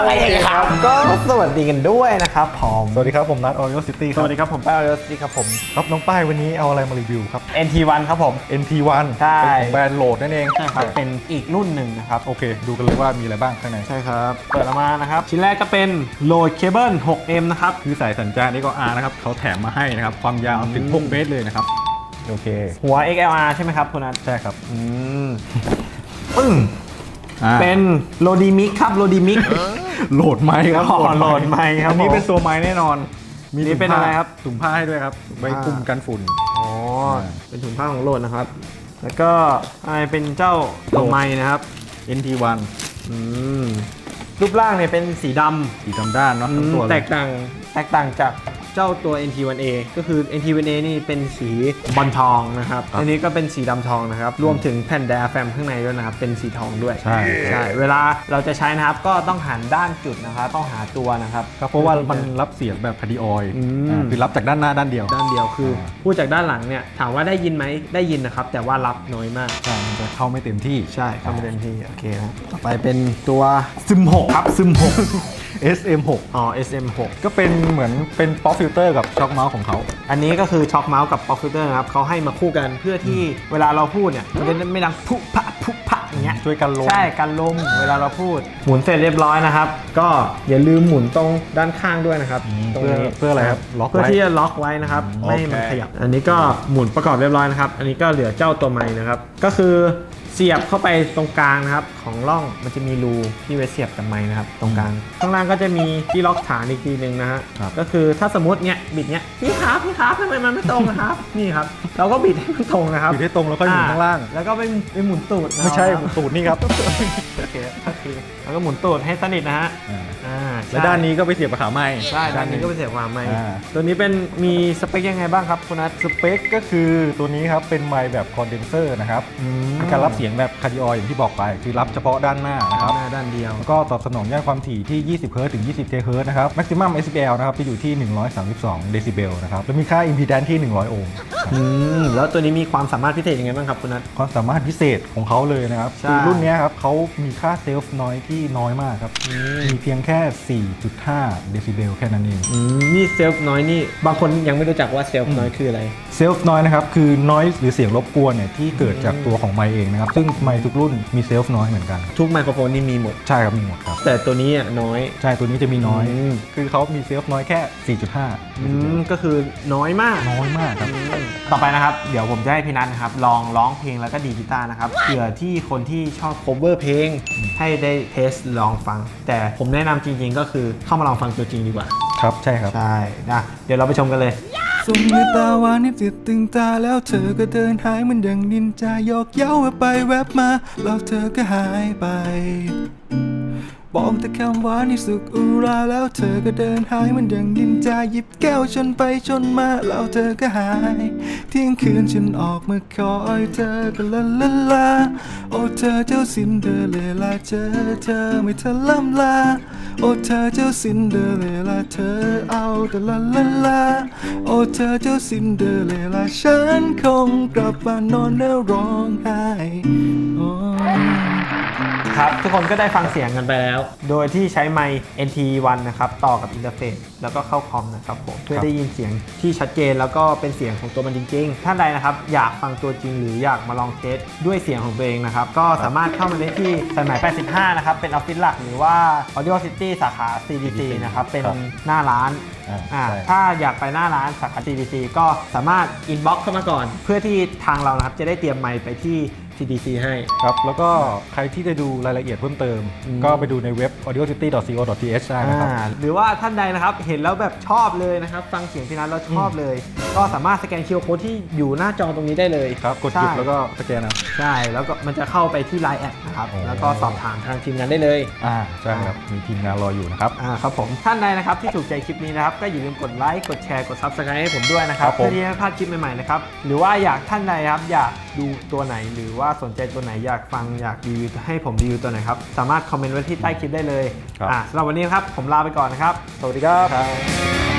เคครับก็สวัสดีกันด้วยนะครับผมสวัสดีครับผมนัท Oreo City คสรับวัสดีครับผมป้าเอิร์ธดีครับผมครับน้องป้ายวันนี้เอาอะไรมารีวิวครับ NT1 ครับผม NT1 ใช่เป็นของแบรนด์โหลดนั่นเองใช่ครับเป็นอีกรุ่นหนึ่งนะครับโอเค ดูกันเลยว่ามีอะไรบ้างข้างในใช่ครับเปิดออกมานะครับชิ้นแรกก็เป็นโหลดเคเบิล 6M นะครับคือสายสัญจรนี่ก็ R นะครับเขาแถมมาให้นะครับ ความยาวถึง6 เมตรเลยนะครับ โอเคหัว XLR ใช่ไหมครับคุณนัทใช่ครับปึ้งอ่าเป็นโลดีมิกครับโลดีมิกโหลดไม้ครับอ๋อโหลดไมค์ครับอันนี้ผมเป็นตัวไม้แน่นอน มีนี่เป็นอะไรครับถุงผ้าให้ด้วยครับไว้คลุมกันฝุ่นอ๋อเป็นถุงผ้าของโหลดนะครับ แล้วก็อะไรเป็นเจ้าตัวไม้นะครับ NT1 อืมรูปร่างเนี่ยเป็นสีดำสีดำด้านเนาะทั้งตัวเลยแตกต่างจากเจ้าตัว NT1A ก็คือ NT1A นี่เป็นสีบอลทองนะครับอันนี้ก็เป็นสีดำทองนะครับรวมถึงแผ่นไดอะแฟรมข้างในด้วยนะครับเป็นสีทองด้วยใช่ใช่เวลาเราจะใช้นะครับก็ต้องหันด้านจุดนะครับต้องหาตัวนะครับครับเพราะว่ามันรับเสียงแบบคาร์ดิออย คือรับจากด้านหน้าด้านเดียวด้านเดียวคือพูดจากด้านหลังเนี่ยถามว่าได้ยินไหมได้ยินนะครับแต่ว่ารับน้อยมากใช่มันจะเข้าไม่เต็มที่ใช่เข้าไม่เต็มที่โอเคครับต่อไปเป็นตัวซึม6ครับซึม6 SM6 อ๋อ SM6 ก็เป็นเหมือนเป็นป๊อปฟิลเตอร์กับช็อคเมาส์ของเขาอันนี้ก็คือช็อคเมาส์กับป๊อปฟิลเตอร์นะครับเขาให้มาคู่กันเพื่อที่เวลาเราพูดเนี่ยมันจะไม่ดังพุพะพุพะอย่างเงี้ยช่วยกันลมใช่กันลมเวลาเราพูดหมุนเสร็จเรียบร้อยนะครับ ก็อย่าลืมหมุนตรงด้านข้างด้วยนะครับตรงนี้เพื่ออะไรครับล็อกไว้เพื่อที่จะล็อกไว้นะครับอืมไม่ให้มันโอเคขยับ อันนี้ก็หมุนประกอบเรียบร้อยนะครับ อันนี้ก็เหลือเจ้าตัวไม้นะครับก็คือเสียบเข้าไปตรงกลางนะครับของร่องมันจะมีรูที่ไว้เสียบกับไม้นะครับตรงกลางข้างล่างก็จะมีที่ล็อกฐานอีกทีหนึ่งนะฮะครับก็คือถ้าสมมติเนี่ยบิดเนี่ยพี่ครับทำไมมันไม่ตรงนะครับ นี่ครับเราก็บิดให้มันตรงนะครับอยู่ที่ตรงแล้วก็หมุนข้างล่างแล้วก็ไปหมุนตูดไม่ใช่นะครับตูดนี่ครับโอเคก็คือแล้วก็หมุนตูดให้สนิทนะฮะอ่าใช่และด้านนี้ก็ไปเสียบกับขาไม้ใช่ด้านนี้ก็ไปเสียบความไม้อ่าตัวนี้เป็นมีสเปคยังไงบ้างครับคุณนัทสเปคก็คือตัวนี้ครับเป็นไมค์แบบคอนเดนเซอร์นะครับมีการรับเสียงแบบคาร์ดิออยอย่างที่บอกไป คือรับเฉพาะด้านหน้านะครับหน้าด้านเดียวแล้วก็ตอบสนองย่านความถี่ที่20 เฮิร์ตซ์ถึง 20 เทเฮิร์ตซ์นะครับ maximum SPL นะครับจะอยู่ที่ 132 เดซิเบลนะครับแล้วมีค่า impedance ที่ 100 โอห์มแล้วตัวนี้มีความสามารถพิเศษยังไงบ้างครับคุณนัทความสามารถพิเศษของเขาเลยนะครับใช่คือรุ่นเนี้ยครับเขามีค่าเซลฟ์นอยที่น้อยมากครับมีเพียงแค่ 4.5 เดซิเบลแค่นั้นเองนี่เซลฟ์น้อยนี่บางคนยังไม่รู้จักว่าเซลฟ์น้อยคืออะไรเซลฟ์นอยนะครับคือ noise หรือเสียงรบกวนเนี่ยที่เกิดจากตัวของไมค์เองนะครับซึ่งไมค์ทุกรุ่นมีเซลฟ์นอยเหมือนกันทุกไมโครโฟนนี่มีหมดใช่ครับมีหมดครับแต่ตัวนี้น้อยใช่ตัวนี้จะมีน้อยอืมคือเขามีเซลฟ์นอยแค่ 4.5 ก็คือน้อยมากน้อยมากครับต่อไปนะครับ เดี๋ยวผมจะให้พี่นัทนะครับลองร้องเพลงแล้วก็ดีดกีตาร์นะครับเผื่อที่คนที่ชอบ cover เพลงให้ได้เทสลองฟัง แต่ผมแนะนำจริงๆก็คือเข้ามาลองฟังตัวจริงดีกว่าครับใช่ครับใช่นะเดี๋ยวเราไปชมกันเลยสมในตาหวานให้ติดตึงตาแล้วเธอก็เดินหายเหมันดังนินจาโยกเย้าแวบไปแวบมาแล้วเธอก็หายไป บอกแต่คำหวานที่สุกอุราแล้วเธอก็เดินหายเหมันดังนินจาหยิบแก้วชนไปชนมาแล้วเธอก็หายเที่ยงคืนฉันออกมาคอยเธอก็ละละลาโอ้เธอเจ้าซินเดอเรลล่าเจอเธอไม่ทันล่ำลาโอ้เธอเจ้าซินเดอเรลล่าเธอเอาแต่ละละลาโอ้เธอเจ้าซินเดอเรลล่าฉันคงกลับบ้านนอนแล้วร้องไห้โอ้ครับทุกคนก็ได้ฟังเสียงกันไปแล้ว โดยที่ใช้ไมค์ NT1 นะครับต่อกับอินเทอร์เฟซแล้วก็เข้าคอมนะครับผมเพื่อได้ยินเสียงที่ชัดเจนแล้วก็เป็นเสียงของตัวมันจริงๆท่านใดนะครับอยากฟังตัวจริงหรืออยากมาลองเทสด้วยเสียงของตัวเองนะครับก็สามารถเข้ามาได้ที่สายไหม85นะครับเป็นออฟฟิศหลักหรือว่า Audio City สาขา CDC นะครับเป็นหน้าร้านใช่ถ้าอยากไปหน้าร้านสาขา CDC ก็สามารถอินบ็อกซ์เข้ามาก่อน เพื่อที่ทางเรานะครับจะได้เตรียมไมค์ไปที่ CDC ให้ครับแล้วก็ใครที่จะดูรายละเอียดเพิ่มเติม ก็ไปดูในเว็บ audiocity.co.th ได้นะครับหรือว่าท่านใดนะครับเห็นแล้วแบบชอบเลยนะครับฟังเสียงพี่นัทแล้วชอบเลย ก็สามารถสแกน QR Code ที่อยู่หน้าจอตรงนี้ได้เลยครับกดหยุดใช่แล้วก็สแกนเอาใช่แล้วก็มันจะเข้าไปที่ Line แอดนะครับโอ้แล้วก็สอบถามทางทีมงานได้เลยใช่ครับมีทีมงานรออยู่นะครับครับผมท่านใดนะครับที่ถูกใจคลิปนี้นะครับก็อย่าลืมกดไลค์กดแชร์กด Subscribe ให้ผมด้วยนะครับครับผมเพื่อที่จะไม่พลาดคลิปใหม่ๆนะครับหรือว่าอยากท่านใดครับอยากดูตัวไหนหรือว่าสนใจตัวไหนอยากฟังอยากรีวิวให้ผมรีวิวตัวไหนครับสามารถคอมเมนต์ไว้ที่ใต้คลิปได้เลยสำหรับวันนี้นะครับผมลาไปก่อนนะครับสวัสดีครับ